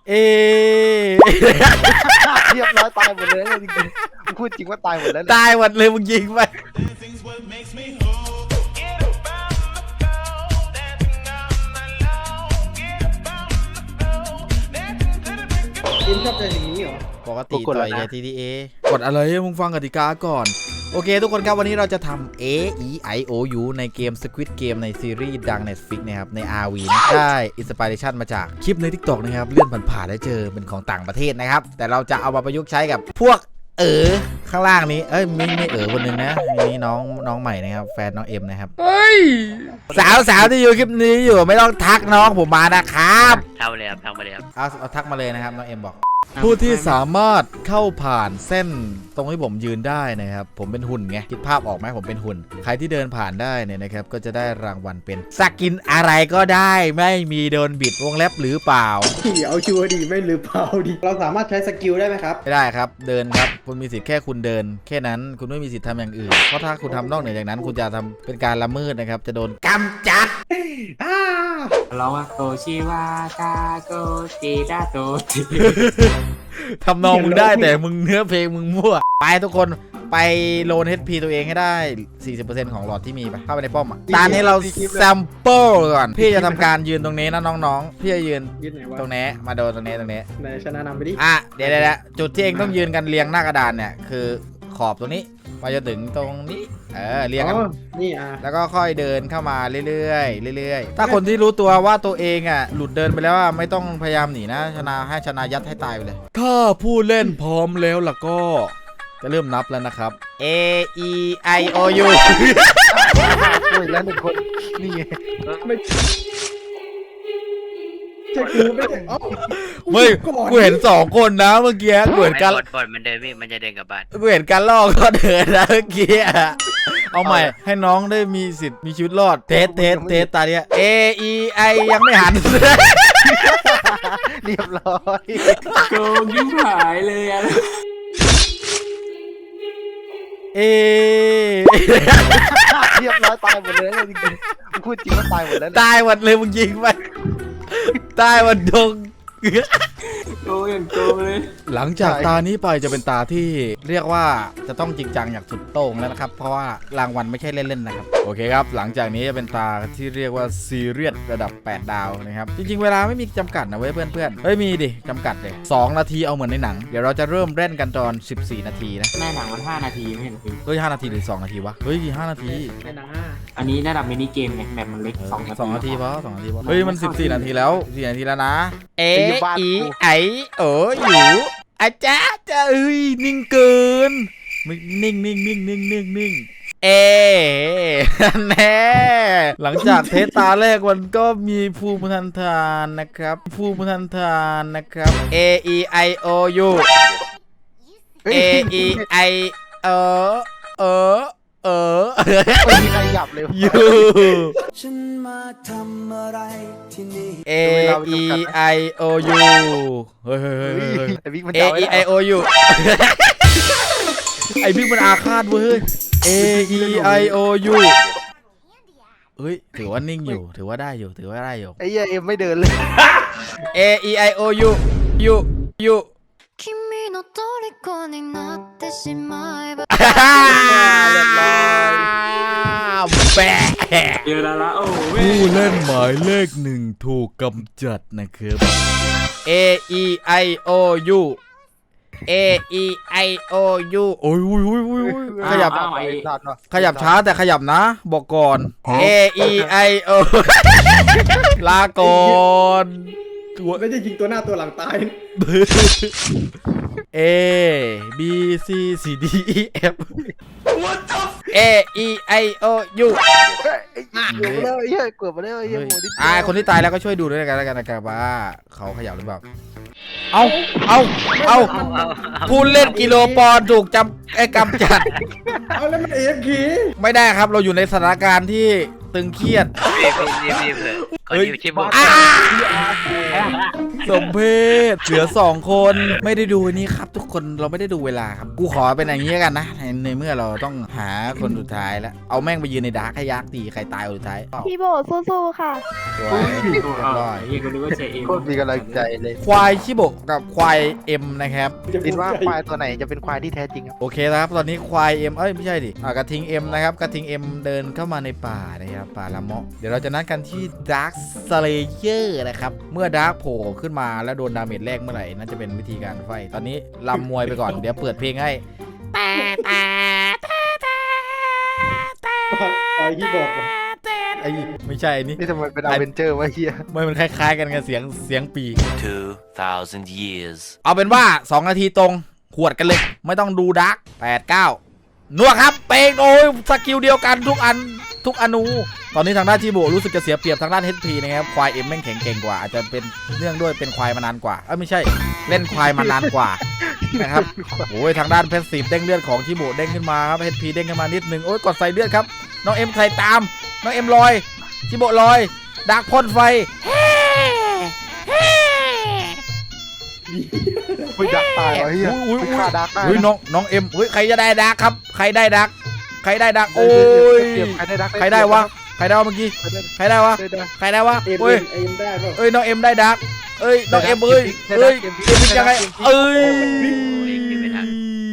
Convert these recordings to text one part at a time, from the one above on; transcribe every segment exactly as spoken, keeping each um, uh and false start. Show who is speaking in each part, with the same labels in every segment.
Speaker 1: เอ
Speaker 2: เรียบร้อยตายหมดเลยจริงๆพูดจริงว่าตายหมดแล้ว
Speaker 1: ตายหมดเลยมึงยิงไป
Speaker 3: ทีมชอบเจออย่างนี้เหรอ
Speaker 1: ปกติต่อย ที ที เอ กดอะไรมึงฟังกติกาก่อนโอเคทุกคนครับวันนี้เราจะทำ A E I O U ในเกม Squid Game ในซีรีส์ดัง Netflix นะครับใน อาร์ วี นะได้อินสปิเรชันมาจากคลิปใน TikTok นะครับเลื่อนผ่านๆแล้วเจอเป็นของต่างประเทศนะครับแต่เราจะเอามาประยุกต์ใช้กับพวกเออข้างล่างนี้เอ้ยไม่ไม่เออคนนึงนะนี่น้องน้องใหม่นะครับแฟนน้องเอ็มนะครับเฮ้ยสาวสาวที่อยู่คลิปนี้อยู่ไม่ต้องทักน้องผมมานะครับ
Speaker 4: ทำเลยครับทำมาเลยครับ
Speaker 1: เอาเอาทักมาเลยนะครับน้องเอ็มบอกผู้ที่สามารถเข้าผ่านเส้นตรงที่ผมยืนได้นะครับผมเป็นหุ่นไงคิดภาพออกไหมผมเป็นหุ่นใครที่เดินผ่านได้เนี่ยนะครับก็จะได้รางวัลเป็นสกินอะไรก็ได้ไม่มีโดนบิดวงเล็บหรือเปล่า
Speaker 3: เอาชัวร์ดีไม่หรือเปล่าดิเราสามารถใช้สกิลได้ไหมครับ
Speaker 1: ไม่ได้ครับเดินครับคุณมีสิทธิ์แค่คุณเดินแค่นั้นคุณไม่มีสิทธิ์ทำอย่างอื่นเพราะถ้าคุณทำนอกเหนือจากนั้นคุณจะทำเป็นการละเมิดนะครับจะโดนกำจัด
Speaker 5: ร้องว่าโตชิวาตาโกจิดาโตจิ
Speaker 1: ทำนองมึงได้แต่มึงเนื้อเพลงมึงมั่วไปทุกคนไปโลน เอช พี ตัวเองให้ได้ สี่สิบเปอร์เซ็นต์ ของหลอดที่มีไปเข้าไปในป้อมอ่ะตอนนี้เราแซมเปิลก่อนพี่จะทำการยืนตรงนี้นะน้องๆพี่จะยืนตรงนี้มาโดนตรงนี้ตรงนี้
Speaker 3: ไหนชนะนำไปดิ
Speaker 1: อ่ะเดี๋ยวเดี๋ยวจุดที่เองต้องยืนกันเรียงหน้ากระดานเนี่ยคือขอบตรงนี้มาจนถึงตรงนี้เออเรียงกัน
Speaker 3: นี่อ่ะ
Speaker 1: แล้วก็ค่อยเดินเข้ามาเรื่อยๆเรื่อยๆถ้าคนที่รู้ตัวว่าตัวเองอ่ะหลุดเดินไปแล้วว่าไม่ต้องพยายามหนีนะชนะให้ชนะยัดให้ตายไปเลยถ้าผู้เล่นพร้อมแล้วล่ะก็จะเริ่มนับแล้วนะครับ A E I O U
Speaker 2: โอ้ยแล้วหนึ่งคนนี่ไง
Speaker 3: ไม่ใช่กูไม่เอ้า
Speaker 1: ไม่กูเห็นสองคนนะเมื่อกี้กูเห็นกัน
Speaker 4: กดมันเดินพี่มันจะเดินกับบ้าน
Speaker 1: กูเห็นกันลอกก็เดินนะเมื่อกี้เอาใหม่ให้น้องได้มีสิทธิ์มีชีวิตรอดเทสเทสเทสตาเนี้ย A E I ยังไม่หัน
Speaker 2: เรียบร้อย
Speaker 5: โกงยิ่งหายเลยอะ
Speaker 1: เอ
Speaker 2: เรียบร้อยตายหมดเลยจริงๆพูดจริงว่าตายหมดแล้ว
Speaker 1: ตายหมดเลยมึงยิงไปตายหมดดง
Speaker 5: โกงอย่างโกงเลย
Speaker 1: หลังจากตานี้ไปจะเป็นตาที่เรียกว่าจะต้องจริงจังอย่างสุดโต่งแล้วนะครับเพราะว่ารางวัลไม่ใช่เล่นๆนะครับโอเคครับหลังจากนี้จะเป็นตาที่เรียกว่าซีเรียสระดับแปดดาวนะครับจริงๆเวลาไม่มีจำกัดนะเว้ยเพื่อนๆเฮ้ยมีดิจำกัดเลยสองนาทีเอาเหมือนในหนังเดี๋ยวเราจะเริ่มเล่นกันตอนสิบสี่นาทีนะ
Speaker 5: ในหนังมันห้านาทีไม่เห็นคือ
Speaker 1: เฮ้ยห้านาทีหรือสองนาทีวะเฮ้ยห้านาที
Speaker 3: ในหนัง
Speaker 5: อันนี้ระดับมินิเกมไงแมปมันเล็กสอง
Speaker 1: สองนาทีเพราะสองนาทีเพราะเฮ้ยมันสิบสี่นาทีแล้วสี่นาทีแล้วนะ A E Iโอ้อยู่อาจารย์จะเอ้ยนิ่งเกินนิ่งนิ่งนิ่งนิ่งนิ่งนิ่งเอแน่หลังจากเทสตาแรกมันก็มีภูมิทันทานนะครับภูมิทันทานนะครับ A E I O U A E I O เออเออ
Speaker 2: ไม่มีใครหยับเลย
Speaker 1: ยูฉันมาทำอะไรที่นี่ A E I O U เฮ้ยเฮ้ยเฮ้ย A E I O U ไอบิ๊กมันอาฆาตเว้ย A E I O U เฮ้ยถือว่านิ่งอยู่ถือว่าได้อยู่ถือว่าได้อยู่
Speaker 2: ไอ้เอ็มไม่เดินเลย
Speaker 1: A E I O U U Uแปะ
Speaker 5: เจอแล้วละโอ้
Speaker 1: ผู้เล่นหมายเลขหนึ่งถูกกำจัดนะครับ A E I O U A E I O U โอ้ยอุ้ยอุ้ยอุ้ยขยับขยับช้าแต่ขยับนะบอกก่อน A E I O ลาก่อน
Speaker 3: ไม่ใช่ยิงตัวหน้าตัวหลังตาย
Speaker 1: A B C C D E F A E I O U
Speaker 2: เกือบแล้วไอ้เหี้ยเกือบแล้วไอ้เหี้ยโมดิ
Speaker 1: อ่าคนที่ตายแล้วก็ช่วยดูด้วยกันแล้วกันนะครับว่าเขาขยับหรือเปล่าเอาเอาเอาผู้เล่นกิโลปอนถูกจำไอ้กำจัด
Speaker 3: เอาแล้วมันเอฟคี
Speaker 1: ไม่ได้ครับเราอยู่ในสถานการณ์ที่ตึงเครียด
Speaker 4: รีบรีบรีบเลยก่อนที่ชิบุ
Speaker 1: อ้าสมเพศเหลือสองคนไม่ได้ดูนี่ครับ ทุกคนเราไม่ได้ดูเวลาครับกูขอเป็นอย่างนี้กันนะในในเมื่อเราต้องหาคนสุดท้ายแล้วเอาแม่งไปยืนในดาร์กให้ยักษ์ตีใครตายคนสุดท้าย
Speaker 6: พี่โบสู้ๆค่ะ
Speaker 1: สวย
Speaker 5: เอ
Speaker 1: เรียบ
Speaker 5: อ
Speaker 1: ร้อย
Speaker 5: เฮียกูนึกว่าเชเอ็ม
Speaker 2: โคตรมีกำลังใจเลย
Speaker 1: ควายชิโบะกับควายเอ็มนะครับ
Speaker 2: คิดว่าควายตัวไหนจะเป็นควายที่แท้จริงครับ
Speaker 1: โอเคนะครับตอนนี้ควายเอ็มเอ้ยไม่ใช่ดิอ่ากระทิงเอ็มนะครับกระทิงเอ็มเดินเข้ามาในป่านะครับป่าละเมาะเดี๋ยวเราจะนัดกันที่ดาร์คสเลเยอร์นะครับเมื่อดาร์คโผล่ขึ้นมาแล้วโดนดาเมจแรกเมื่อไหร่นั่นจะเป็นวิธีการไฟตอนนี้ลำมวยไปก่อนเดี๋ยวเปิดเพลงให้
Speaker 3: ไอ้ที่บอกว่า
Speaker 1: ไอ้ไม่ใช่ไอ้นี่
Speaker 2: นี่ทำไมเป็นอเวนเจอร์วะเฮีย
Speaker 1: ไม่มันคล้ายๆกันกับเสียงเสียงปี
Speaker 4: two thousand years
Speaker 1: เอาเป็นว่าสองนาทีตรงขวดกันเลยไม่ต้องดูดาร์กแปด เก้านัวครับเปงโอ้ยสกิลเดียวกันทุกอันทุกอนูตอนนี้ทางด้านชิโบะรู้สึกจะเสียเปรียบทางด้าน เอช พี นะครับควายเอ็มแม่งแข็งเก่งกว่าอาจจะเป็นเนื่องด้วยเป็นควายมานานกว่าเอ้ยไม่ใช่เล่นควายมานานกว่านะครับโอ้ยทางด้านเพชรสีเด้งเลือดของชิโบะเด้งขึ้นมาครับ เอช พี เด้งขึ้นมานิดนึงโอ้ยกดใส่เลือดครับน้องเอ็มใส่ตามน้องเอ็มลอยชิโบะลอยดาร์กพ่นไฟ
Speaker 2: ไม่ดักตายวะเฮีย
Speaker 1: อุ้ย
Speaker 2: ไม่
Speaker 1: อุ้ย
Speaker 2: ฆ่าดักได้
Speaker 1: อุ้ยน้องน้องเอ็มอุ้ยใครจะได้ดักครับใครได้ดักใครได้ดักโอ้ย
Speaker 2: ใครได้ดัก
Speaker 1: ใครได้วะใครได้วะเมื่อกี้ใครได้วะ
Speaker 2: ได้ดัก
Speaker 1: ใครได้วะ
Speaker 3: เอ็ม
Speaker 1: เอ้ย
Speaker 3: เอ็มได้ป่ะ
Speaker 1: เอ้ยน้องเอ็มได้ดักเอ้ยน้องเอ็มเอ้ย
Speaker 2: ได้ดัก
Speaker 1: เอ้ย
Speaker 2: เกมพลิก
Speaker 1: เกมพลิกยังไง
Speaker 2: ได้ดักเกมพลิก
Speaker 1: เอ้ย
Speaker 4: โอ้ยคิดไม่ทัน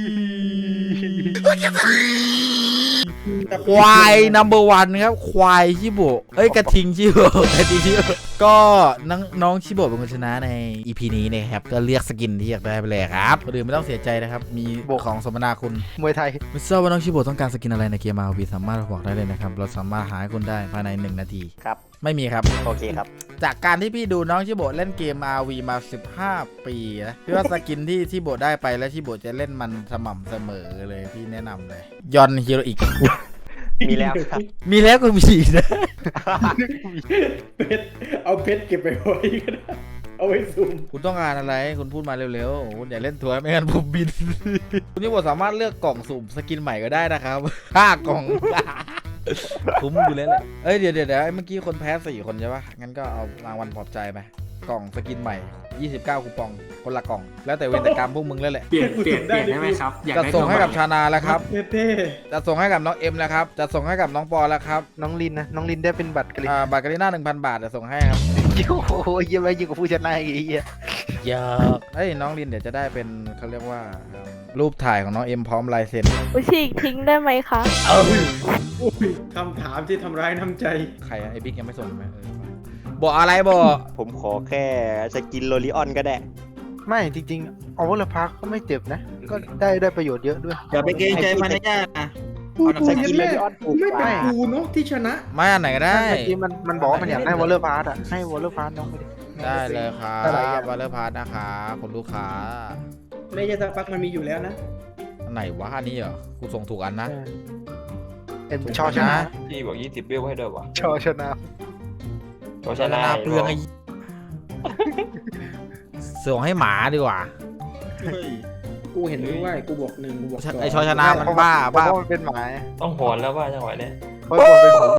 Speaker 1: ควายนัมเบอร์วันครับควายชิโบะเอ้ยกระทิงชิโบะกระทิงชิโบะก็น้องน้องชิโบะเป็นคนชนะใน อี พี นี้นะครับก็เลือกสกินที่อยากได้ไปเลยครับคนอื่นไม่ต้องเสียใจนะครับมีของสมนาคุณ
Speaker 2: มวยไทย
Speaker 1: ไม่ทราบว่าน้องชิโบะต้องการสกินอะไรในเกม อาร์ โอ วี สามารถบอกได้เลยนะครับเราสามารถหาให้คุณได้ภายในหนึ่งนาที
Speaker 7: ครับ
Speaker 1: ไม่มีครับ
Speaker 7: โอเคครับ
Speaker 1: จากการที่พี่ดูน้องชิโบะเล่นเกม อาร์ โอ วี มาสิบห้าปีนะพี่ว่าสกินที่ชิโบะได้ไปแล้วชิโบะจะเล่นมันสม่ำเสมอเลยพี่แนะนำเลยยอนฮีโรอิก
Speaker 7: มีแล้วครับ
Speaker 1: มีแล้วก็มีอีกนะ
Speaker 3: เพชรเอาเพชรเก็บไปไว้ก็ได้เอาไว้ซูม
Speaker 1: คุณต้องการอะไรคุณพูดมาเร็วๆคุณอย่าเล่นทัวร์ไม่งั้นผมบิน คุณชิโบะสามารถเลือกกล่องสุ่มสกินใหม่ก็ได้นะครับ ห้ากล่อง คุ้มอยู่แล้วแหละเอ้ยเดี๋ยวเดี๋ยวเดี๋ยวเมื่อกี้คนแพ้สี่คนใช่ปะงั้นก็เอารางวัลปลอบใจไปกล่องสกินใหม่ยี่สิบเก้าคูปองคนละกล่องแล้วแต่เวรแต่กรรมพวกมึงแล้วแหละ
Speaker 5: เปลี่ยนเปลี่ยนเปลี่ยนได้ไหมครับอยาก
Speaker 1: จะ
Speaker 5: ได้
Speaker 1: ส่งให้กับ
Speaker 5: ตัว
Speaker 1: ชานาแล้วครับ
Speaker 3: เท่
Speaker 1: จะส่งให้กับน้องเอ็มแล้วครับจะส่งให้กับน้องปอแล้วครับ
Speaker 2: น้องลินนะน้องลินได้เป็นบัตรกลิน
Speaker 1: อ่าบาทการีน่าหนึ่งพันบาทจะส่งให้ครับ
Speaker 2: โอ้โหเยี่ยมไปยิ่งกว่าผู้ชนะอีกไอ้เฮีย
Speaker 1: เยอะเอ้ยน้องลินเดี๋ยวจะได้เป็นเขาเรียกว่าเอิ่มรูปถ่ายของน้องเอ็มพร้อมลายเซ็น
Speaker 6: อุยฉีกทิ้งได้ไหมคะ
Speaker 3: โอ้ยคำถามที่ทำร้ายน้ำใจ
Speaker 1: ใครอะไอ้บิ๊กยังไม่ส่งไหมเออบอกอะไรบอก
Speaker 7: ผมขอแค่สกินโลลิออนก็ได้
Speaker 2: ไม่จริงๆเอาวอลพาร์คก็ไม่เจ็บนะ ก็ได้ได้ประโยชน์เยอะด้วย
Speaker 8: อย่าไปเกรงใจมันนะย่านะ
Speaker 3: กูกู
Speaker 7: ส
Speaker 3: ยั
Speaker 7: กิ
Speaker 3: ง
Speaker 7: นโล
Speaker 3: แม่
Speaker 7: ลิออนถูก
Speaker 3: ไม่
Speaker 7: ก
Speaker 3: เป็น
Speaker 7: ว่า
Speaker 3: กูเนาะที่ชนะ
Speaker 1: ไม่อันไหนก็ได้
Speaker 2: เมื่อกี้มันมันบอกว่ามันอยากได้วอลพาร์คอ่ะให้วอลพาร์คน้องไปดิ
Speaker 1: ได้เลยครับ
Speaker 2: อะไรอย่าง
Speaker 1: วอลเลอร์พาร์ทนะครับคุณลูกค้า
Speaker 3: ไม่ใช่สักพักมันมีอยู่แล้วนะ
Speaker 1: อันไหนวะอันนี้เหรอกูส่งถูกอันนะ
Speaker 2: เอ็มชอชนะ
Speaker 9: พี่บอกยี่สิบเบี้ยวให้ด้วยวะ
Speaker 2: ชอชนะ
Speaker 9: โชว์
Speaker 1: ช
Speaker 9: ช
Speaker 1: นะ
Speaker 9: นะ
Speaker 1: เปลืองไอ้ ส่งให้หมาดีกว่า
Speaker 3: กูเห็นด้วยกูบอกหนึ่งกูบอกสอง
Speaker 1: ไอชอชนะมันบ้า
Speaker 2: เพราะ
Speaker 1: บ้า
Speaker 2: ว่ามันเป็นหมา
Speaker 9: ต้องโหนแล้วว่าจังหวะเนี้ย
Speaker 2: เพราะว่ามันเป็นหมา